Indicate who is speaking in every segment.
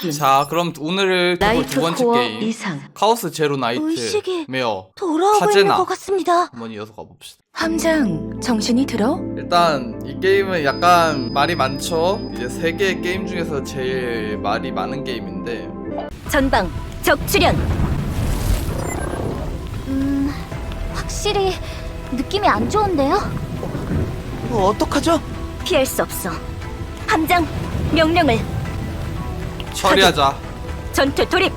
Speaker 1: 확인.
Speaker 2: 자, 그럼 오늘 두
Speaker 1: 나이트
Speaker 2: 번째
Speaker 1: 코어
Speaker 2: 게임
Speaker 1: 이상.
Speaker 2: 카오스 제로 나이트
Speaker 1: 의식이
Speaker 2: 메어
Speaker 1: 돌아오고 있는
Speaker 2: 카제나.
Speaker 1: 것 같습니다.
Speaker 2: 한번 이어서 가봅시다.
Speaker 1: 함장, 정신이 들어?
Speaker 2: 일단 이 게임은 약간 말이 많죠. 이제 세 개의 게임 중에서 제일 말이 많은 게임인데
Speaker 1: 전방, 적출현.
Speaker 3: 확실히 느낌이 안 좋은데요?
Speaker 4: 어떡하죠?
Speaker 1: 피할 수 없어. 함장, 명령을.
Speaker 2: 처리하자.
Speaker 1: 전투 돌입.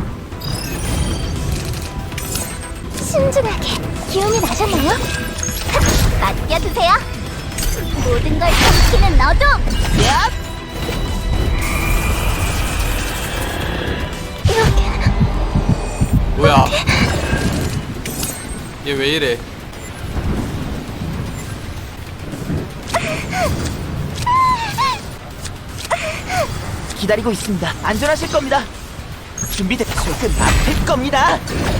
Speaker 3: 신중하게 기운이 나셨나요? 맡겨두세요. 모든 걸 삼키는 너도. 이렇게
Speaker 2: 뭐야? 얘 왜 이래?
Speaker 4: 기다리고 있습니다. 안전하실 겁니다. 준비됐고 끝났을 겁니다.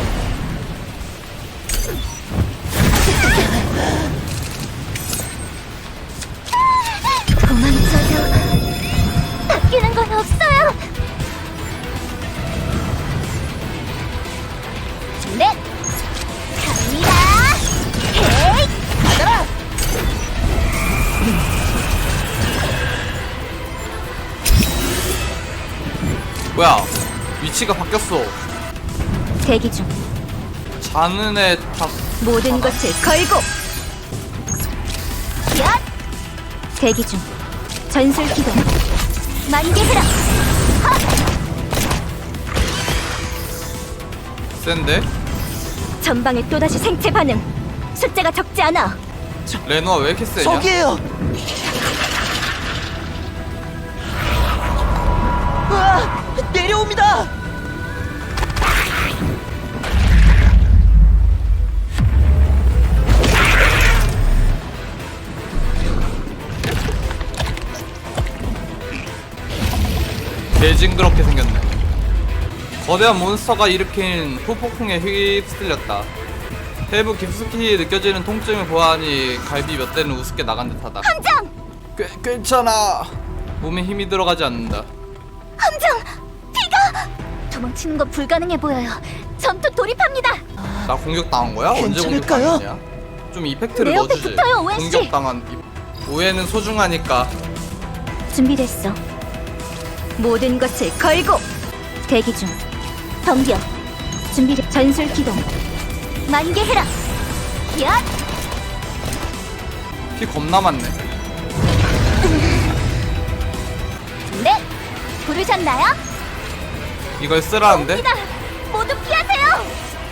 Speaker 3: 도망쳐도 바뀌는 건 없어요. 네, 갑니다. 헤이,
Speaker 4: 받아라!
Speaker 2: 뭐야? 위치가 바뀌었어.
Speaker 1: 대기 중.
Speaker 2: 자는 애 다.
Speaker 1: 모든 것을 걸고.
Speaker 3: 야,
Speaker 1: 대기 중. 전술 기동.
Speaker 3: 만개해라.
Speaker 2: 센데?
Speaker 1: 전방에 또다시 생체 반응. 숫자가 적지 않아.
Speaker 2: 레노아 왜 이렇게 세냐?
Speaker 4: 저기에요. 으아! 내려옵니다.
Speaker 2: 개징그럽게 생겼네. 거대한 몬스터가 일으킨 후폭풍에 휩쓸렸다. 세부 깊숙이 느껴지는 통증을 보아하니 갈비 몇 대는 우습게 나간 듯하다.
Speaker 3: 함장,
Speaker 2: 괜찮아. 몸에 힘이 들어가지 않는다.
Speaker 3: 함장, 피가 도망치는 건 불가능해 보여요. 전투 돌입합니다.
Speaker 2: 나 공격 당한 거야? 언제
Speaker 4: 괜찮을까요?
Speaker 2: 공격 당했냐? 좀 이펙트를
Speaker 3: 내 옆에
Speaker 2: 넣어주지.
Speaker 3: 붙어요, 오웬 씨.
Speaker 2: 공격 당한 오해는 소중하니까.
Speaker 1: 준비됐어. 모든 것을 걸고. 대기 중. 덤벼. 준비됐. 전술 기동.
Speaker 3: 만개해라. 야,
Speaker 2: 피 겁나 많네.
Speaker 3: 네, 부르셨나요?
Speaker 2: 이걸 쓰라는데?
Speaker 3: 옵니다. 모두 피하세요.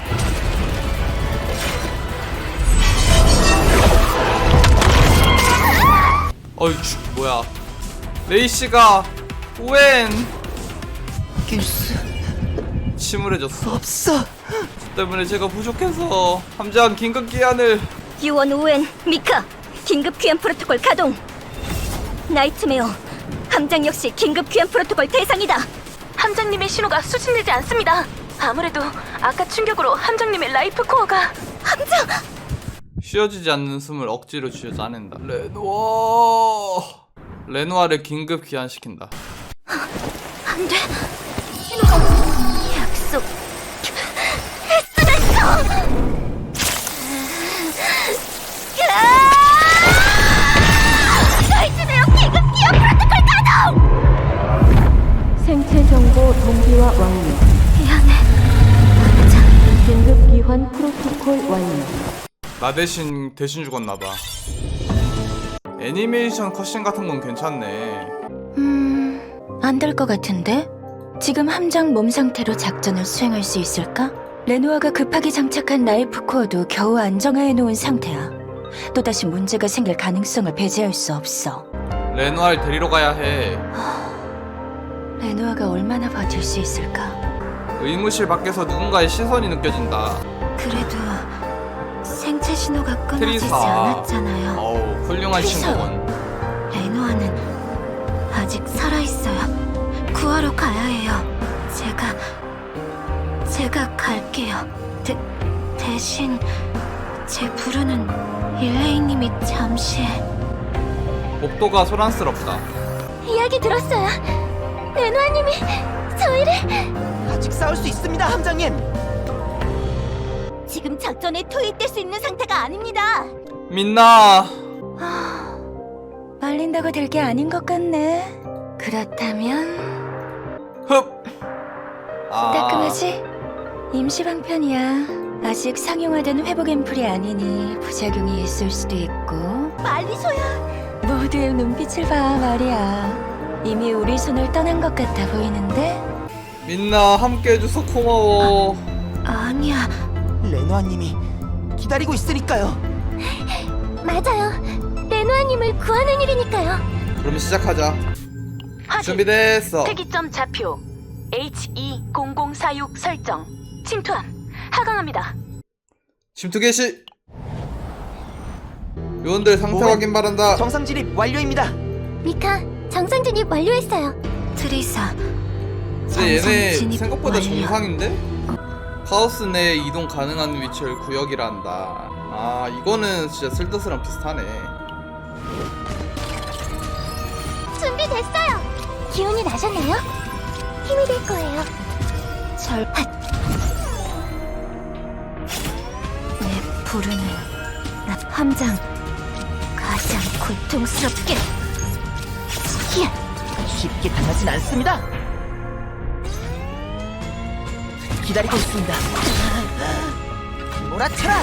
Speaker 2: 어이 뭐야? 레이씨가 오웬
Speaker 4: 이길 수
Speaker 2: 침울해졌어.
Speaker 4: 없어.
Speaker 2: 때문에 제가 부족해서 함장 긴급 기한을.
Speaker 1: 유원 오웬 미카. 긴급 귀환 프로토콜 가동. 나이트메어. 함장 역시 긴급 귀환 프로토콜 대상이다. 함장님의 신호가 수신되지 않습니다. 아무래도 아까 충격으로 함장님의 라이프 코어가. 함장!
Speaker 2: 쉬어지지 않는 숨을 억지로 쥐어짜낸다. 레노아를 긴급 귀환시킨다.
Speaker 1: 안 돼. 신호가 약속.
Speaker 3: 나이트메어 긴급 기어 프로토콜 가동.
Speaker 5: 생체 정보 동기화 완료.
Speaker 3: 미안해.
Speaker 5: 긴급 기환 프로토콜 완료.
Speaker 2: 나 대신 죽었나봐. 애니메이션 컷신 같은 건 괜찮네.
Speaker 1: 안 될 것 같은데? 지금 함장 몸 상태로 작전을 수행할 수 있을까? 레노아가 급하게 장착한 라이프 코어도 겨우 안정화해 놓은 상태야. 또다시 문제가 생길 가능성을 배제할 수 없어.
Speaker 2: 레노아를 데리러 가야 해.
Speaker 1: 레노아가 얼마나 버틸 수 있을까?
Speaker 2: 의무실 밖에서 누군가의 시선이 느껴진다.
Speaker 1: 그래도 생체 신호가 끊어지지
Speaker 2: 트리사.
Speaker 1: 않았잖아요.
Speaker 2: 어우, 훌륭한
Speaker 1: 트리사.
Speaker 2: 친구군.
Speaker 1: 레노아는 아직 살아있어요. 구하러 가야 해요. 제가 갈게요. 대신 제 부르는 일레이님이 잠시.
Speaker 2: 복도가 소란스럽다.
Speaker 3: 이야기 들었어요. 레노아님이
Speaker 4: 싸울 수 있습니다, 함장님.
Speaker 3: 지금 작전에 투입될 수 있는 상태가 아닙니다.
Speaker 2: 민나.
Speaker 1: 말린다고 될 게 아닌 것 같네. 그렇다면
Speaker 2: 흡. 아.
Speaker 1: 따끔하지? 임시방편이야. 아직 상용화된 회복 앰플이 아니니 부작용이 있을 수도 있고.
Speaker 3: 말리소야.
Speaker 1: 모두의 눈빛을 봐 말이야. 이미 우리 손을 떠난 것 같아 보이는데?
Speaker 2: 민나 함께 해줘서 고마워.
Speaker 1: 아니야.
Speaker 4: 레노아님이 기다리고 있으니까요.
Speaker 3: 맞아요. 레노아님을 구하는 일이니까요.
Speaker 2: 그럼 시작하자. 준비됐어.
Speaker 1: 특이점 좌표 HE0046 설정. 침투함. 하강합니다.
Speaker 2: 침투 개시. 요원들 상태
Speaker 4: 오웬,
Speaker 2: 확인 바란다.
Speaker 4: 정상 진입 완료입니다.
Speaker 3: 미카, 정상 진입 완료했어요.
Speaker 1: 트리사.
Speaker 2: 근데 얘네
Speaker 1: 정상 진입
Speaker 2: 생각보다
Speaker 1: 완료.
Speaker 2: 정상인데? 카오스 내에 이동 가능한 위치를 구역이라 한다. 아 이거는 진짜 슬더스랑 비슷하네.
Speaker 3: 준비됐어요. 기운이 나셨나요? 힘이 될 거예요.
Speaker 1: 절. 내 부르는 나 함장. 가장 고통스럽게.
Speaker 3: 히야,
Speaker 4: 쉽게 당하진 않습니다. 기다리고 있습니다. 몰아쳐라!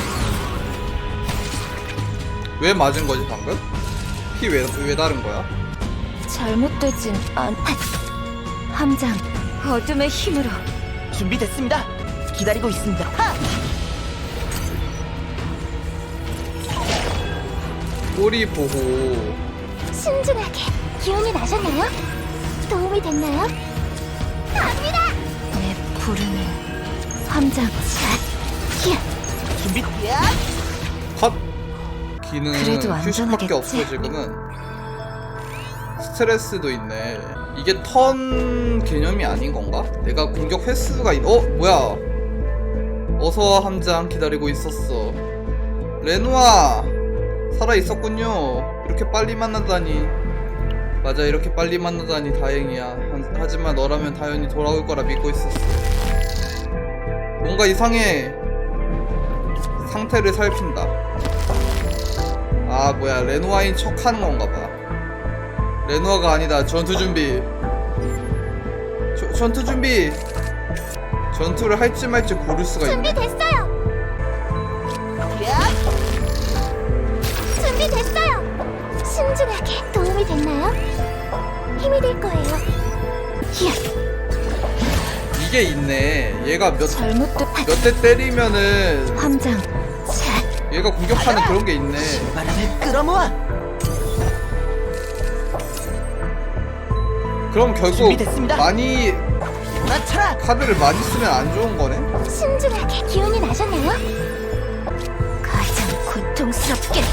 Speaker 2: 왜 맞은 거지 방금? 피 왜 다른 거야?
Speaker 1: 잘못되진 않. 함장. 어둠의 힘으로.
Speaker 4: 준비됐습니다. 기다리고 있습니다. 하!
Speaker 2: 꼬리 보호.
Speaker 3: 신중하게. 기운이 나셨나요? 도움이 됐나요? 갑니다.
Speaker 1: 내 부르는 함장.
Speaker 3: 히야,
Speaker 4: 준비. 야!
Speaker 2: 컷. 기능
Speaker 1: 그래도
Speaker 2: 휴식밖에
Speaker 1: 안전하겠지?
Speaker 2: 없어 지금은. 스트레스도 있네. 이게 턴 개념이 아닌 건가? 내가 공격 횟수가 뭐야? 어서 함장 기다리고 있었어. 레노아 살아 있었군요. 이렇게 빨리 만나다니. 맞아, 이렇게 빨리 만나다니 다행이야. 하지만 너라면 당연히 돌아올 거라 믿고 있었어. 뭔가 이상해. 상태를 살핀다. 아 뭐야, 레노아인 척 하는 건가 봐. 레노아가 아니다. 전투 준비. 전투 준비. 전투를 할지 말지 고를 수가 있네.
Speaker 3: 준비됐어요. 준비됐어요. 신중하게. 도움이 됐나요? 힘이 될 거예요. 히야,
Speaker 2: 이게 있네. 얘가 몇
Speaker 1: 잘못된
Speaker 2: 대 때리면은
Speaker 1: 함장.
Speaker 2: 얘가 공격하는 그런 게 있네.
Speaker 4: 바람을 끌어모아.
Speaker 2: 그럼 결국
Speaker 4: 준비됐습니다.
Speaker 2: 많이
Speaker 4: 몰아쳐라!
Speaker 2: 카드를 많이 쓰면 안 좋은 거네.
Speaker 3: 신중하게. 기운이 나셨나요?
Speaker 1: 가장 고통스럽게.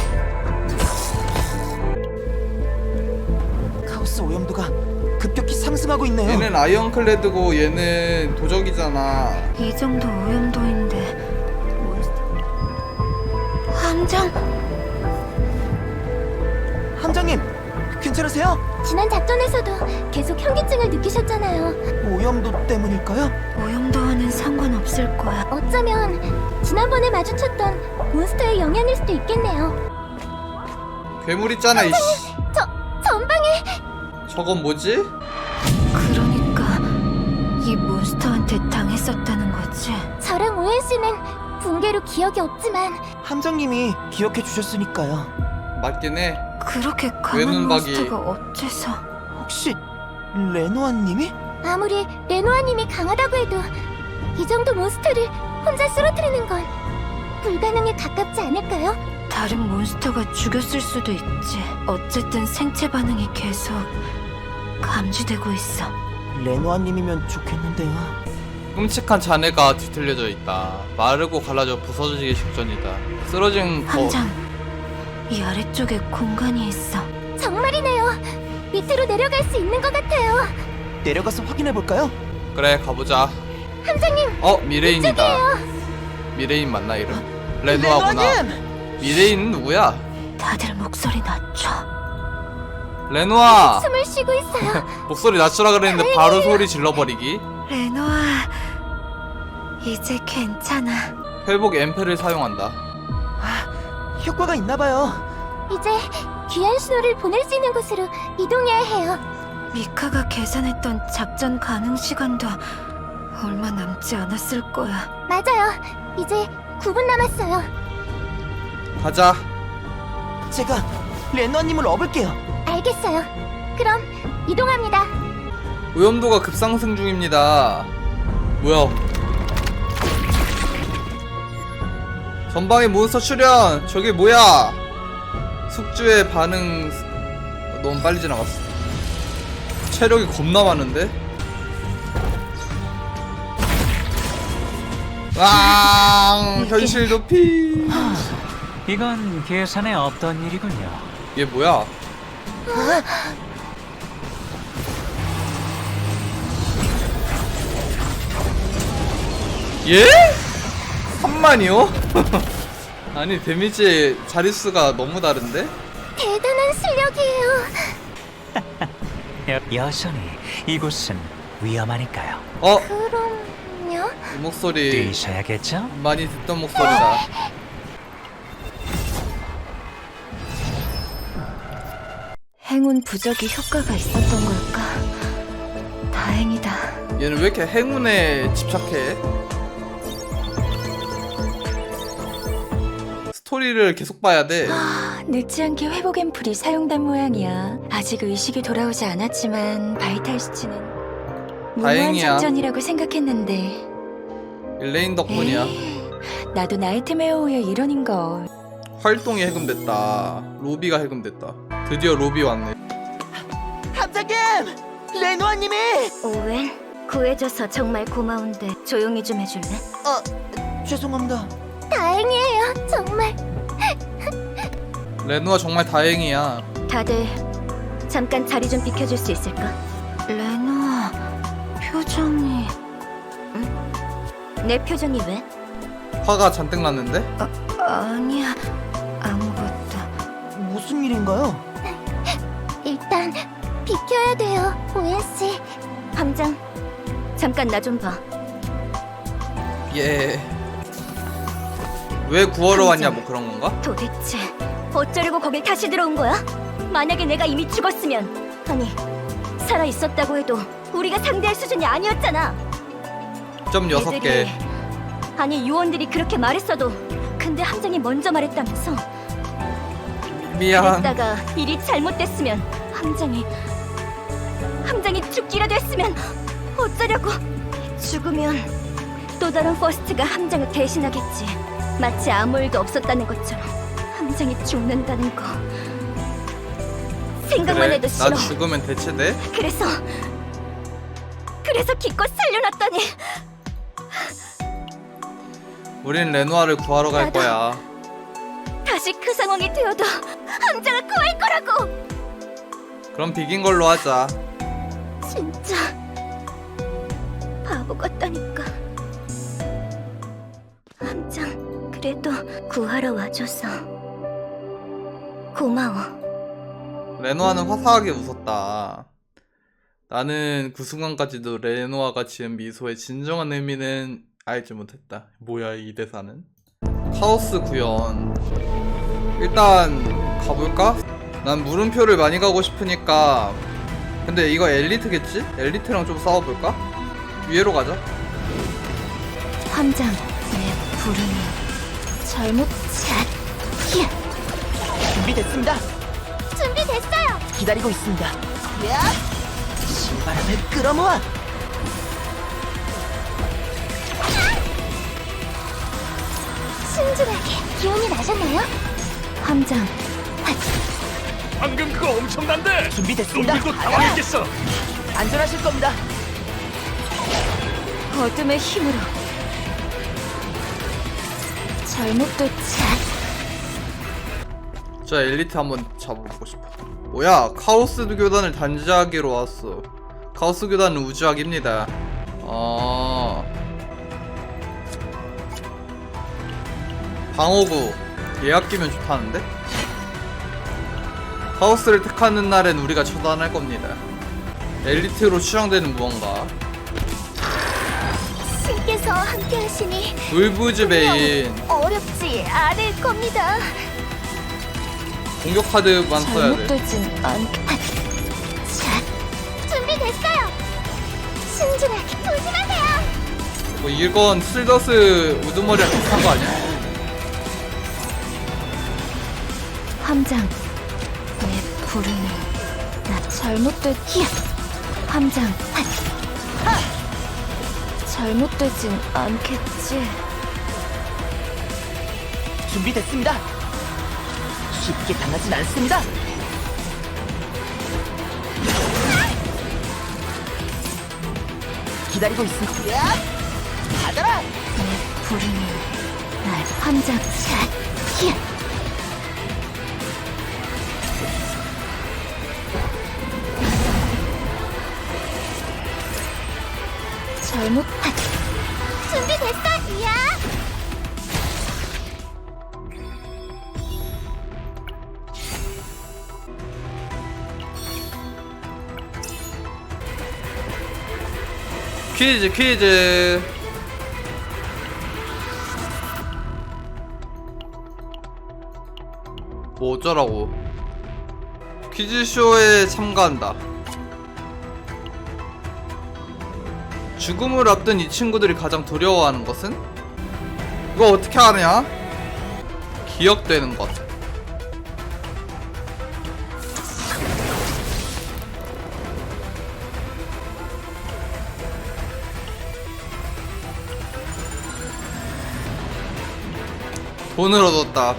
Speaker 4: 카오스 오염도가 급격히 상승하고 있네요.
Speaker 2: 얘는 아이언클레드고 얘는 도적이잖아.
Speaker 1: 이 정도 오염도인데 함장.
Speaker 4: 함장님, 괜찮으세요?
Speaker 3: 지난 작전에서도 계속 현기증을 느끼셨잖아요.
Speaker 4: 오염도 때문일까요?
Speaker 1: 오염도와는 상관없을 거야.
Speaker 3: 어쩌면 지난번에 마주쳤던 몬스터의 영향일 수도 있겠네요.
Speaker 2: 괴물 있잖아 이씨.
Speaker 3: 전방에
Speaker 2: 저건 뭐지?
Speaker 1: 그러니까 이 몬스터한테 당했었다는 거지.
Speaker 3: 저랑 오엔 씨는 붕괴로 기억이 없지만
Speaker 4: 함장님이 기억해 주셨으니까요.
Speaker 2: 맞긴 해.
Speaker 1: 그렇게 강한
Speaker 2: 외눈박이.
Speaker 1: 몬스터가 어째서?
Speaker 4: 혹시 레노아님이?
Speaker 3: 아무리 레노아님이 강하다고 해도 이 정도 몬스터를 혼자 쓰러뜨리는 건 불가능에 가깝지 않을까요?
Speaker 1: 다른 몬스터가 죽였을 수도 있지. 어쨌든 생체 반응이 계속 감지되고 있어.
Speaker 4: 레노아님이면 좋겠는데요.
Speaker 2: 끔찍한 잔해가 뒤틀려져 있다. 마르고 갈라져 부서지기 직전이다. 쓰러진
Speaker 1: 함장, 이 아래쪽에 공간이 있어.
Speaker 3: 정말이네요. 밑으로 내려갈 수 있는 것 같아요.
Speaker 4: 내려가서 확인해 볼까요?
Speaker 2: 그래 가보자.
Speaker 3: 함장님,
Speaker 2: 미레인이다.
Speaker 3: 이쪽이에요.
Speaker 2: 미레인 맞나 이름? 레노아구나.
Speaker 4: 레노아님!
Speaker 2: 미레인은 누구야?
Speaker 1: 다들 목소리 낮춰.
Speaker 2: 레노아!
Speaker 3: 숨을 쉬고 있어요.
Speaker 2: 목소리 낮추라 그랬는데 바로 소리 질러버리기.
Speaker 1: 레노아, 이제 괜찮아.
Speaker 2: 회복 앰플을 사용한다.
Speaker 4: 효과가 있나봐요.
Speaker 3: 이제 귀한 신호를 보낼 수 있는 곳으로 이동해야 해요.
Speaker 1: 미카가 계산했던 작전 가능 시간도 얼마 남지 않았을 거야.
Speaker 3: 맞아요. 이제 9분 남았어요.
Speaker 2: 가자.
Speaker 4: 제가 레노아님을 업을게요.
Speaker 3: 알겠어요. 그럼 이동합니다.
Speaker 2: 오염도가 급상승 중입니다. 뭐야? 전방에 몬스터 출현! 저게 뭐야? 숙주의 반응... 너무 빨리 지나갔어. 체력이 겁나 많은데? 왕! 현실 높이!
Speaker 6: 이건 계산에 없던 일이군요.
Speaker 2: 얘 뭐야? 예? 3만이요? 아니 데미지 자릿수가 너무 다른데?
Speaker 3: 대단한 실력이에요.
Speaker 6: 여전히 이곳은 위험하니까요.
Speaker 3: 그럼요?
Speaker 2: 이 목소리
Speaker 6: 뛰셔야겠죠?
Speaker 2: 많이 듣던 목소리다.
Speaker 1: 행운 부적이 효과가 있었던 걸까? 다행이다.
Speaker 2: 얘는 왜 이렇게 행운에 집착해? 스토리를 계속 봐야 돼.
Speaker 1: 늦지 않게 회복 앰플이 사용된 모양이야. 아직 의식이 돌아오지 않았지만 바이탈 수치는 무모한
Speaker 2: 다행이야.
Speaker 1: 작전이라고 생각했는데
Speaker 2: 일레인 덕분이야.
Speaker 1: 나도 나이트메어의 일원인걸.
Speaker 2: 활동이 해금됐다. 로비가 해금됐다. 드디어 로비 왔네.
Speaker 4: 함장님! 레노아님이!
Speaker 1: 오웬, 구해줘서 정말 고마운데 조용히 좀 해줄래?
Speaker 4: 죄송합니다.
Speaker 3: 다행이에요. 정말.
Speaker 2: 레노아 정말 다행이야.
Speaker 1: 다들 잠깐 자리 좀 비켜줄 수 있을까? 레노아, 표정이... 응? 내 표정이 왜?
Speaker 2: 화가 잔뜩 났는데?
Speaker 1: 아니야, 아무것도.
Speaker 4: 무슨 일인가요?
Speaker 3: 일단 비켜야 돼요. 오엔씨.
Speaker 1: 함장, 잠깐 나 좀 봐.
Speaker 2: 예. 왜 구하러 왔냐 뭐 그런 건가?
Speaker 1: 도대체 어쩌려고 거길 다시 들어온 거야? 만약에 내가 이미 죽었으면, 아니 살아 있었다고 해도 우리가 상대할 수준이 아니었잖아.
Speaker 2: 점 6개.
Speaker 1: 애들이, 아니 요원들이 그렇게 말했어도 근데 함장이 먼저 말했다면서.
Speaker 2: 미안.
Speaker 1: 그랬다가 일이 잘못됐으면 함장이 죽기라도 했으면 어쩌려고. 죽으면 또 다른 퍼스트가 함장을 대신하겠지. 마치 아무 일도 없었다는 것처럼 함장이 죽는다는 거 생각만
Speaker 2: 그래,
Speaker 1: 해도 싫어.
Speaker 2: 나 죽으면 대체돼?
Speaker 1: 그래서 기껏 살려놨더니
Speaker 2: 우린 레노아를 구하러 갈
Speaker 1: 나도.
Speaker 2: 거야.
Speaker 1: 다시 그 상황이 되어도 함장을 구할 거라고.
Speaker 2: 그럼 비긴 걸로 하자.
Speaker 1: 진짜 바보 같다니까. 함장, 그래도 구하러 와줘서 고마워.
Speaker 2: 레노아는 화사하게 웃었다. 나는 그 순간까지도 레노아가 지은 미소의 진정한 의미는 알지 못했다. 뭐야 이 대사는? 카오스 구현. 일단 가볼까? 난 물음표를 많이 가고 싶으니까. 근데 이거 엘리트겠지? 엘리트랑 좀 싸워볼까? 위에로 가자.
Speaker 1: 함장, 내 부름이 잘못
Speaker 3: 히야.
Speaker 4: 준비됐습니다.
Speaker 3: 준비됐어요.
Speaker 4: 기다리고 있습니다. 야! 신바람을 끌어모아!
Speaker 3: 순진하게 기운이 나셨나요?
Speaker 1: 함장,
Speaker 6: 방금 그거 엄청난데!
Speaker 4: 준비됐습니다.
Speaker 6: 당황했겠어!
Speaker 4: 안전하실 겁니다.
Speaker 1: 어둠의 힘으로 잘못 도착.
Speaker 2: 자 엘리트 한번 잡아보고 싶어. 뭐야 카오스 교단을 단지하기로 왔어. 카오스 교단은 우주학입니다. 방어구 예약 끼면 좋다는데? 카오스를 택하는 날엔 우리가 처단할 겁니다. 엘리트로 추정되는 무언가.
Speaker 3: 신께서 앞에서 함께 하시니
Speaker 2: 울부즈베인
Speaker 3: 어렵지 않을 겁니다.
Speaker 2: 공격 카드만 써야 돼.
Speaker 3: 잘못되진 않게. 자, 준비됐어요. 신중하게 조심하세요.
Speaker 2: 뭐 이건 슬더스 우두머리랑 비슷한 거 아니야?
Speaker 3: 함장, 내 부름이 나 잘못된 히야. 함장, 하. 잘못되진 않겠지.
Speaker 4: 준비됐습니다. 쉽게 당하진 않습니다. 기다리고 있습니다. 야! 받아라!
Speaker 3: 내 부름이 날 함장, 자, 히야. 잘못. 준비됐어, 이야.
Speaker 2: 퀴즈. 뭐 어쩌라고. 퀴즈쇼에 참가한다. 죽음을 앞둔 이 친구들이 가장 두려워하는 것은? 이거 어떻게 하냐? 기억되는 것. 돈을 얻었다.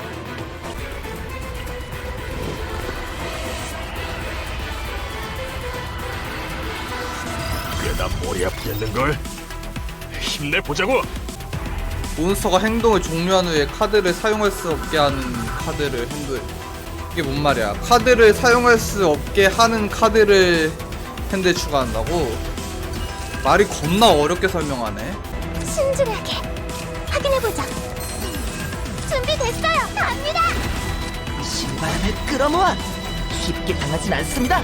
Speaker 6: 꽤나 머리 아프겠는걸? 힘내보자고!
Speaker 2: 몬스터가 행동을 종료한 후에 카드를 사용할 수 없게 하는 카드를 핸드에. 이게 뭔 말이야? 카드를 사용할 수 없게 하는 카드를 핸드에 추가한다고? 말이 겁나 어렵게 설명하네.
Speaker 3: 신중하게 확인해보자. 준비됐어요. 갑니다.
Speaker 4: 신바람을 끌어모아! 쉽게 당하진 않습니다.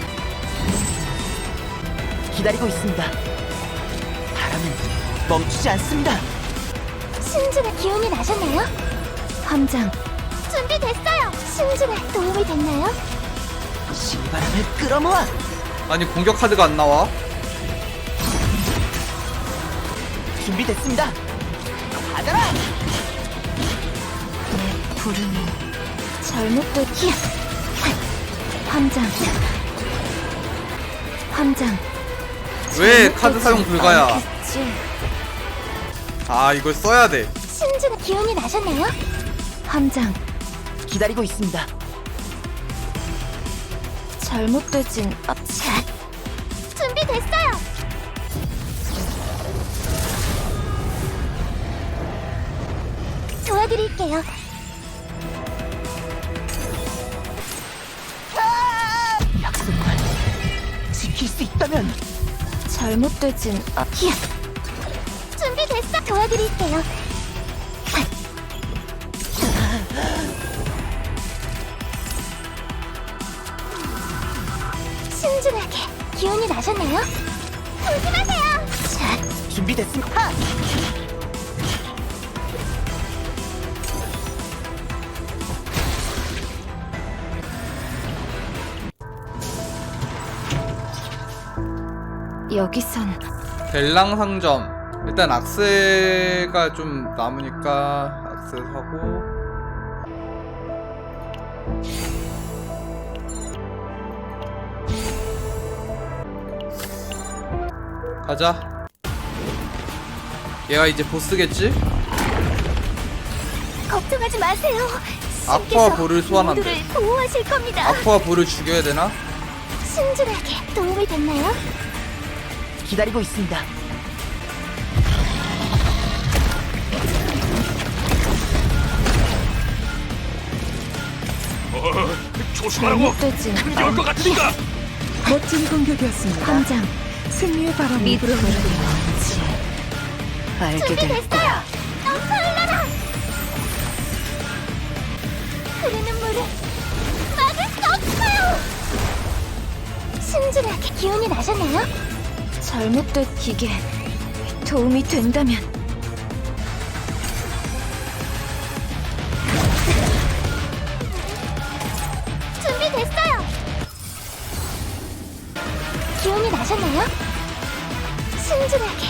Speaker 4: 기다리고 있습니다. 바람은 멈추지 않습니다.
Speaker 3: 신중한 기운이 나셨나요? 함장, 준비됐어요. 신중한 도움이 됐나요?
Speaker 4: 신바람을 끌어모아!
Speaker 2: 아니 공격 카드가 안 나와?
Speaker 4: 준비됐습니다. 받아라!
Speaker 3: 내 부름이 잘못된 히야. 함장, 함장.
Speaker 2: 왜 카드 사용 불가야?
Speaker 3: 않겠지.
Speaker 2: 아 이걸 써야 돼.
Speaker 3: 신중한 기운이 나셨나요? 함장,
Speaker 4: 기다리고 있습니다.
Speaker 3: 잘못되진 자, 준비됐어요. 도와드릴게요.
Speaker 4: 약속만 지킬 수 있다면
Speaker 3: 잘못되진 히야. 준비됐어. 도와드릴게요. 신중하게 기운이 나셨나요? 조심하세요. 자,
Speaker 4: 준비됐습니다.
Speaker 3: 여기선
Speaker 2: 델랑 상점. 일단 악세가 좀 남으니까 악세 사고. 가자. 얘가 이제 보스겠지?
Speaker 3: 걱정하지 마세요.
Speaker 2: 아쿠아 볼을 소환한대.
Speaker 3: 모두를 보호하실 겁니다.
Speaker 2: 아쿠아 볼을 죽여야 되나?
Speaker 3: 신중하게 도움이 됐나요?
Speaker 4: 기다리고 있습니다.
Speaker 6: 조심하라고!
Speaker 3: 잘못되진
Speaker 6: 큰게 올 것 같으니까!
Speaker 5: 멋진 공격이었습니다.
Speaker 3: 함장,
Speaker 5: 승리의 바람이 불어오는
Speaker 4: 알게 될 거야.
Speaker 3: 넘쳐 흘러라! 흐르는 물을 막을 수 없어요! 신중하게 기운이 나셨나요? 잘못된 기계
Speaker 1: 도움이 된다면.
Speaker 3: 준비됐어요. 기운이 나셨나요? 순진하게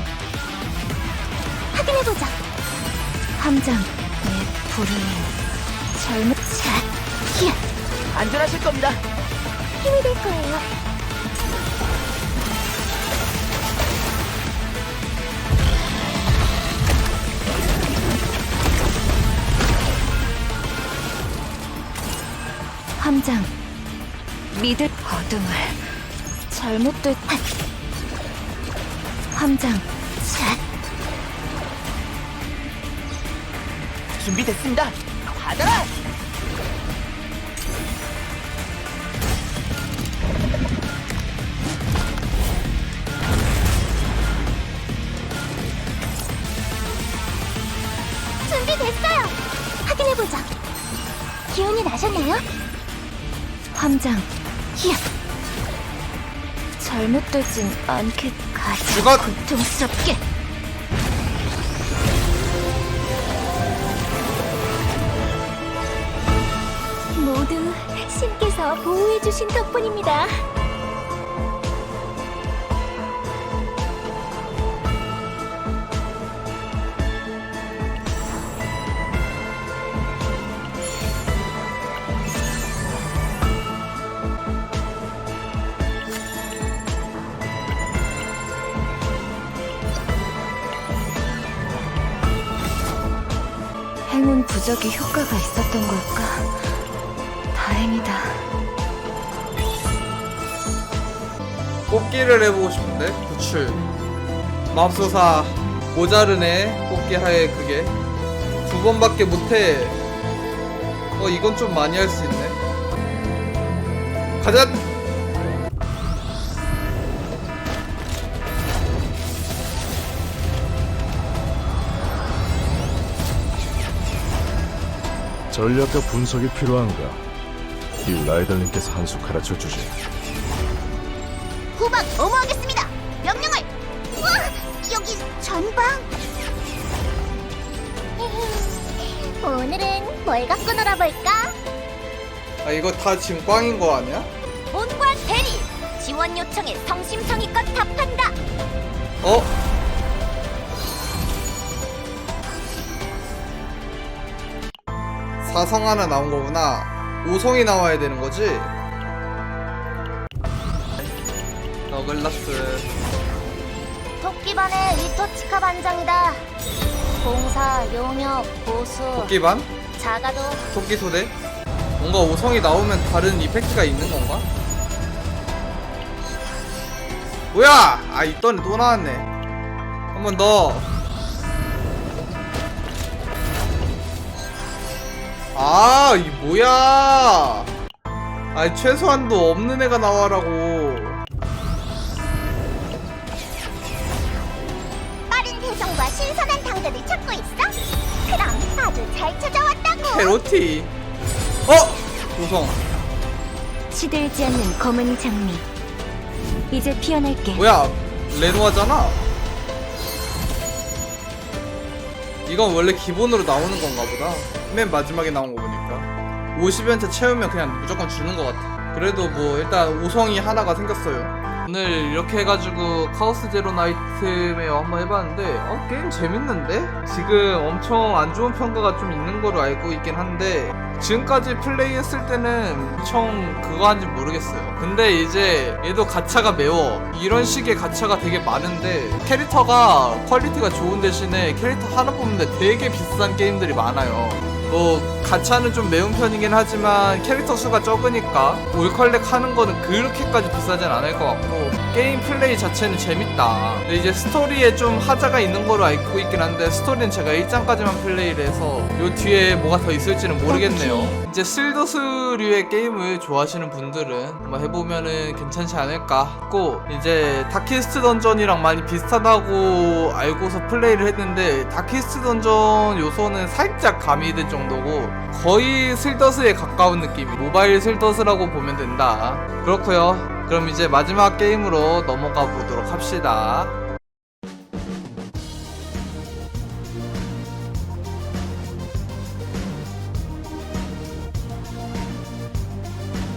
Speaker 3: 확인해보자.
Speaker 1: 함장, 내 불을 잘못 샷. 히야.
Speaker 4: 안전하실 겁니다.
Speaker 3: 힘이 될 거예요.
Speaker 1: 함장, 믿을 어둠을 잘못된 함장, 샷.
Speaker 4: 준비됐습니다. 받아라.
Speaker 3: 준비됐어요. 확인해보자. 기운이 나셨나요?
Speaker 1: 함장, 히야. 잘못되진 않게 가자.
Speaker 2: 이거
Speaker 1: 고통스럽게.
Speaker 3: 모두 신께서 보호해주신 덕분입니다.
Speaker 1: 행운 부적이 효과가 있었던 걸까? 다행이다.
Speaker 2: 뽑기를 해보고 싶은데 구출 맙소사 모자르네. 뽑기 하에 그게 2번밖에 못해. 이건 좀 많이 할 수 있네. 가자.
Speaker 6: 전략과 분석이 필요한가? 이 라이더님께서 한 수 가르쳐 주지.
Speaker 3: 후방 엄호하겠습니다. 명령을. 우와, 여기 전방. 오늘은 뭘 갖고 놀아볼까?
Speaker 2: 이거 다 지금 꽝인 거 아니야?
Speaker 3: 본관 대리. 지원 요청에 성심성의껏 답한다.
Speaker 2: 사성 하나 나온 거구나. 5성이 나와야 되는 거지? 너글라스.
Speaker 3: 토끼반의 리토치카 반장이다. 공사, 용역, 보수,
Speaker 2: 토끼반?
Speaker 3: 자가도
Speaker 2: 토끼소대? 뭔가 5성이 나오면 다른 이펙트가 있는 건가? 뭐야! 있더니 또 나왔네. 한 번 더. 이 뭐야! 최소한도 없는 애가 나와라고.
Speaker 3: 빠른 배송과 신선한 당근을 찾고 있어? 그럼 아주 잘 찾아왔다고.
Speaker 2: 캐로티. 5성.
Speaker 1: 시들지 않는 검은 장미. 이제 피어날게.
Speaker 2: 뭐야, 레노아잖아? 이건 원래 기본으로 나오는 건가 보다. 맨 마지막에 나온 거 보니까 50연차 채우면 그냥 무조건 주는 것 같아. 그래도 뭐 일단 5성이 하나가 생겼어요. 오늘 이렇게 해가지고 카오스 제로 나이트메어 한번 해봤는데 게임 재밌는데? 지금 엄청 안 좋은 평가가 좀 있는 거로 알고 있긴 한데 지금까지 플레이했을 때는 엄청 그거 한지 모르겠어요. 근데 이제 얘도 가차가 매워. 이런 식의 가차가 되게 많은데 캐릭터가 퀄리티가 좋은 대신에 캐릭터 하나 뽑는데 되게 비싼 게임들이 많아요. 뭐 가차는 좀 매운 편이긴 하지만 캐릭터 수가 적으니까 올컬렉 하는 거는 그렇게까지 비싸진 않을 것 같고 게임 플레이 자체는 재밌다. 근데 이제 스토리에 좀 하자가 있는 거로 알고 있긴 한데 스토리는 제가 1장까지만 플레이를 해서 요 뒤에 뭐가 더 있을지는 모르겠네요. 이제 슬더스류의 게임을 좋아하시는 분들은 한번 해보면은 괜찮지 않을까 싶고, 이제 다키스트 던전이랑 많이 비슷하다고 알고서 플레이를 했는데 다키스트 던전 요소는 살짝 가미된 정도고 거의 슬더스에 가까운 느낌이 모바일 슬더스라고 보면 된다. 그렇고요. 그럼 이제 마지막 게임으로 넘어가 보도록 합시다.